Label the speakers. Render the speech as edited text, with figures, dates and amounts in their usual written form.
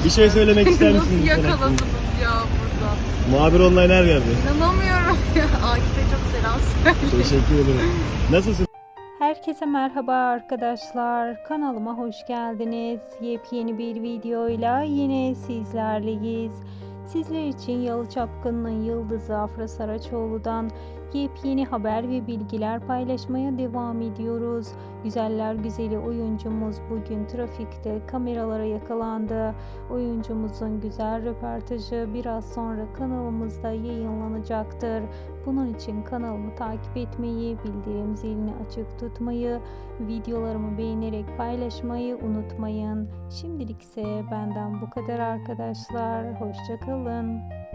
Speaker 1: Bir şey söylemek ister misiniz?
Speaker 2: Nasıl
Speaker 1: bu konu hakkında?
Speaker 2: yakaladınız ya burada?
Speaker 1: Muhabir online her yerde.
Speaker 2: İnanamıyorum ya. Akif'e çok selam söyle.
Speaker 1: Teşekkür ederim. Nasılsın?
Speaker 3: Herkese merhaba arkadaşlar. Kanalıma hoş geldiniz. Yepyeni bir videoyla yine sizlerleyiz. Sizler için Yalı Çapkını'nın yıldızı Afra Saraçoğlu'dan yepyeni haber ve bilgiler paylaşmaya devam ediyoruz. Güzeller güzeli oyuncumuz bugün trafikte kameralara yakalandı. Oyuncumuzun güzel röportajı biraz sonra kanalımızda yayınlanacaktır. Bunun için kanalımı takip etmeyi, bildirim zilini açık tutmayı, videolarımı beğenerek paylaşmayı unutmayın. Şimdilik ise benden bu kadar arkadaşlar. Hoşça kalın.